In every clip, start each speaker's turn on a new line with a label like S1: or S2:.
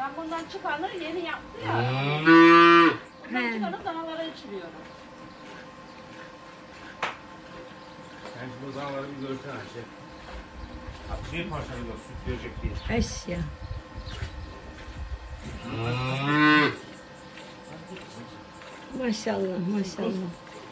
S1: Ben bundan çıkanı yeni yaptı ya. Bundan çıkanı danalara içiriyorum.
S2: Sen şimdi o danaları bir görsene Ayşe. Bir parçalıyor süt verecek diye.
S3: Eş ya. Maşallah maşallah.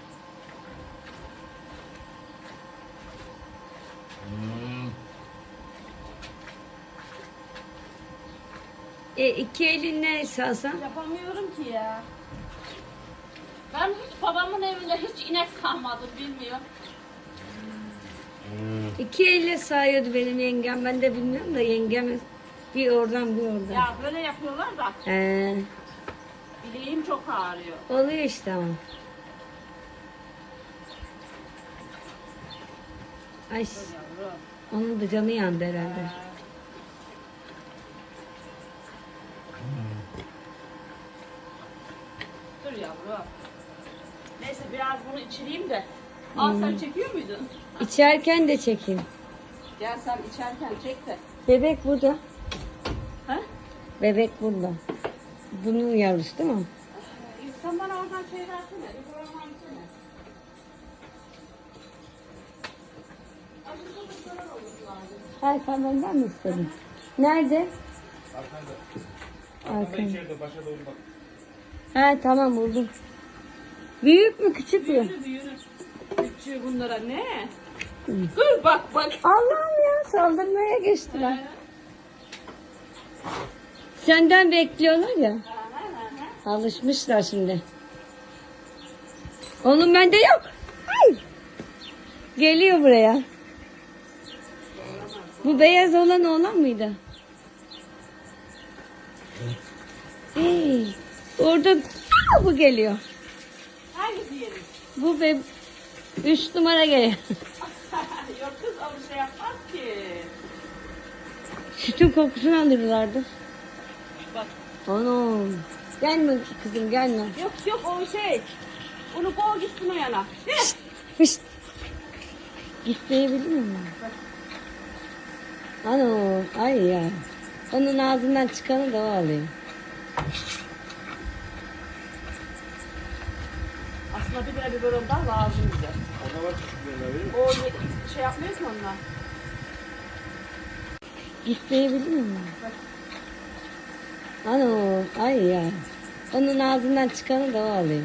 S3: İki elinle salsan.
S1: Yapamıyorum ki ya. Ben hiç babamın evinde hiç inek sağmadım bilmiyorum.
S3: İki elle sağıyordu benim yengem. Ben de bilmiyorum da yengem bir oradan bir oradan.
S1: Ya böyle yapıyorlar da
S3: He,
S1: bileğim çok ağrıyor.
S3: oluyor işte ama. Ay,
S1: Yavrum.
S3: onun da canı yandı herhalde.
S1: Dur yavrum. Neyse biraz bunu içireyim de. Al sen çekiyor muydun?
S3: İçerken de çekin.
S1: Gel sen içerken çek de.
S3: Bebek burada.
S1: Ha?
S3: Bebek burada. Bunun yavrusu değil mi?
S1: Sen bana oradan şey versene. Bir program versene.
S3: Hayır sen benden mi istedin? Nerede?
S2: Arkanda. Arkanda
S3: Arkanda.
S2: içeride başa doğru bak.
S3: Ha tamam buldum. Büyük mü küçük mü?
S1: Yürü yürü. Küçüğü bunlara ne? Dur bak bak.
S3: Allah'ım ya saldırmaya geçtiler. Senden bekliyorlar ya. Alışmışlar şimdi. Onun bende yok. Ay. Geliyor buraya. Bu beyaz olan oğlan mıydı? Hey, orada bu geliyor.
S1: Hangisi yeri?
S3: Bu 3 numara geliyor.
S1: Yok kız o bir şey yapmaz ki.
S3: Sütün kokusunu alırlardı.
S1: Bak.
S3: Ana. Gelme kızım gelme.
S1: Yok yok o şey. Onu kov gitsin o yana.
S3: Fışt. Gitmeyebilir miyim? Ana. Ay ya. Onun ağzından çıkanı da o alıyor.
S1: Aslında 1 lira biberon daha lazım bize.
S2: Ona bak küçüklerine verir mi?
S1: O şey yapmıyor ki onunla.
S3: Gitmeyebilir miyim? Ana. Ay ya. Onun ağzından çıkanı da o alıyor.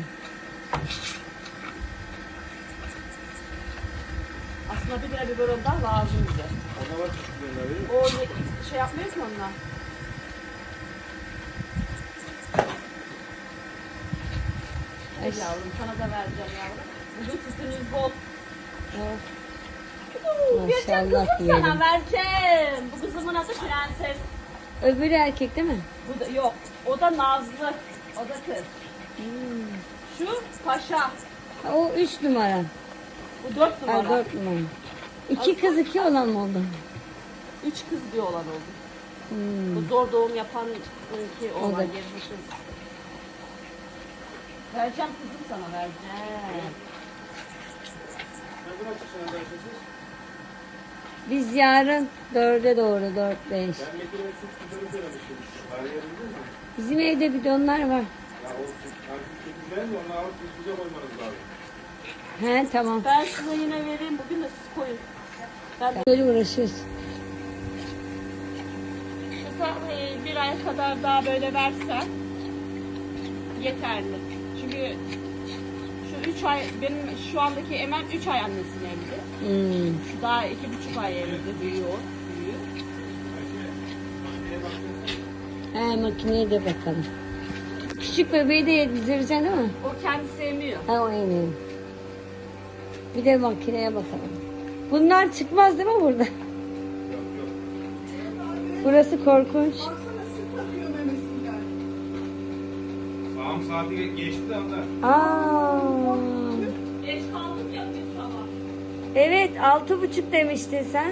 S1: Aslında 1 lira biberon daha lazım bize.
S2: Ona bak küçüklerine verir mi?
S1: O şey yapmıyor ki onunla.
S3: Ay.
S1: Yavrum sana da vereceğim yavrum. Bugün sütünüz bol.
S3: Oh.
S1: Vereceğim
S3: Maşallah
S1: kızım sana
S3: diyelim.
S1: vereceğim. Bu kızımın adı Prenses.
S3: Öbürü erkek değil mi?
S1: Bu da yok. O da Nazlı. O da kız. Şu Paşa.
S3: Ha, o 3 numara.
S1: Bu 4
S3: Ha
S1: numara.
S3: 4 numara. 2 kız 2 olan mı oldu?
S1: 3 kız bir olan oldu.
S3: Hmm.
S1: Bu zor doğum yapan ki
S3: O
S1: olan
S3: da.
S1: geri bir kız. Vereceğim kızım sana vereceğim.
S2: Ne zaman çıksana da Ayşe siz?
S3: Biz yarın 4'e doğru 4-5.
S2: Ben Metin'e süt güzeli söylemiştim. Arayabildin mi?
S3: Bizim evde bidonlar var.
S2: Ya o süt güzel de onu alıp bize koymanız lazım.
S3: He tamam.
S1: Ben size yine vereyim. Bugün de siz koyun. Ben de
S3: Böyle uğraşıyoruz.
S1: şu bir ay kadar daha böyle versen yeterli. Çünkü şu 3 ay benim şu andaki Emel 3 ay annesinin evli.
S3: Hmm.
S1: Şu daha 2,5 ay evli büyüyor.
S3: He makineye de bakalım. Küçük bebeği de yedireceksin değil mi?
S1: O kendi sevmiyor.
S3: Ha o en iyi. Bir de makineye bakalım. Bunlar çıkmaz değil mi burada? Burası korkunç.
S2: Sağım saati geçti de onda.
S3: Aa.
S1: Geç kaldık ya biz sabah.
S3: Evet 6.30 demiştin sen.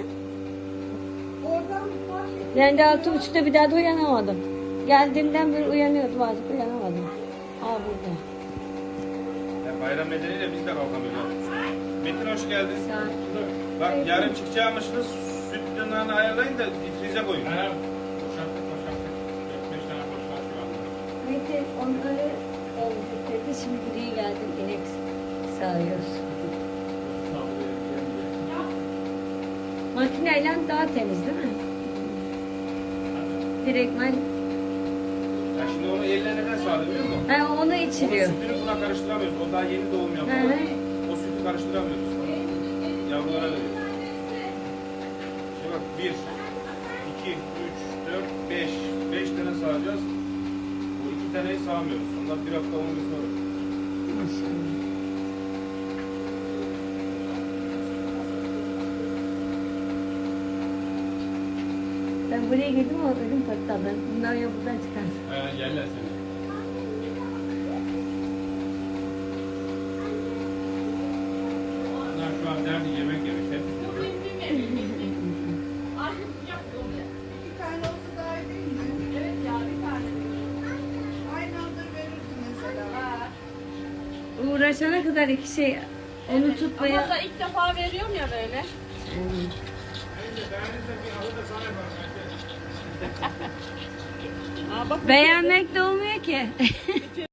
S3: Ben de 6.30'da bir daha da uyanamadım. Geldiğimden beri uyanıyordum artık uyanamadım. Aa burada.
S2: Ya bayram nedeniyle biz de kalkamıyoruz. Metin hoş geldin.
S3: Sağ ol.
S2: Bak yarın çıkacağımışsınız süt dönağını ayarlayın da frize koyun.
S4: Boşalttık. 4-5 tane
S3: onları emzirdi. Şimdi buraya geldim. İnek sağıyoruz. Makineyle daha temiz değil mi? Direktmen
S2: Ya şimdi onu elle neden sağlıyor biliyor musun?
S3: onu
S2: Onun
S3: içiriyor.
S2: sütünü buna karıştıramıyoruz. O daha yeni doğum
S3: Hı
S2: yapıyor.
S3: hı.
S2: O sütü karıştıramıyoruz. Yavrulara veriyoruz. Şimdi bak 1, 2, 3, 4, 5. 5 tane sağacağız. Bu 2 taneyi sağmıyoruz. Onlar bir hafta 10 gün sonra.
S3: Maşallah. Ben buraya girdim ama ödüm patladı. Bunlar ya buradan çıkar.
S2: Yerler seni. Bunlar şu an derdi yemek yemek hep.
S1: Artık sıcak oluyor.
S4: 2 tane olsa daha iyi değil mi?
S1: Evet ya bir tane.
S4: Aynı anda verirdi mesela.
S1: Ha.
S3: Uğraşana kadar iki şey onu
S1: Ama
S3: tutmaya...
S1: da ilk defa veriyorum ya böyle.
S2: Ben de bir ahı da sana yaparım.
S1: Aa, bak
S3: Beğenmek de olmuyor ki.